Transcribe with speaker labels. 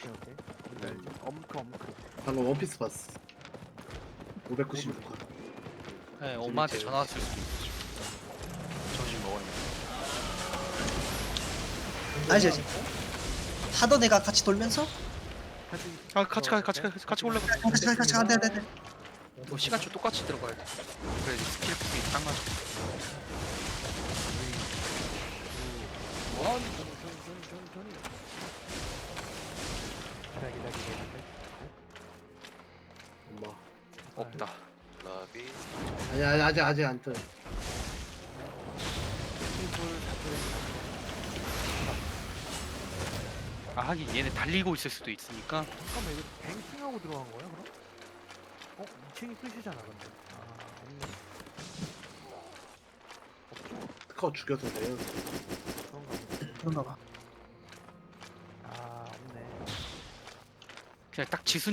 Speaker 1: 오케이.
Speaker 2: 네.
Speaker 1: 엄크.
Speaker 3: 방금 원피스 봤어. 596화.
Speaker 2: 네, 엄마한테 전화 왔을 수도 있어. 점심 먹어야 돼.
Speaker 4: 아니지. 하던 애가 같이 돌면서
Speaker 2: 아, 같이 올라가.
Speaker 4: 같이 가면 돼.
Speaker 2: 뭐 시간초 똑같이 들어가야 돼. 그래 스킬 폭이 딱 맞아.
Speaker 3: 엄마.
Speaker 2: 없다.
Speaker 5: 라비
Speaker 3: 아니 아직 안 떠.
Speaker 2: 아 하긴 얘네 달리고 있을 수도 있으니까.
Speaker 1: 잠깐만 이거 뱅킹하고 들어간 거야 그럼? 2층이 끝이잖아 근데. 없네.
Speaker 3: 스카우 죽여도 돼요.
Speaker 1: 그런가 보다.
Speaker 4: 그런가 봐.
Speaker 1: 없네.
Speaker 2: 그냥 딱 지수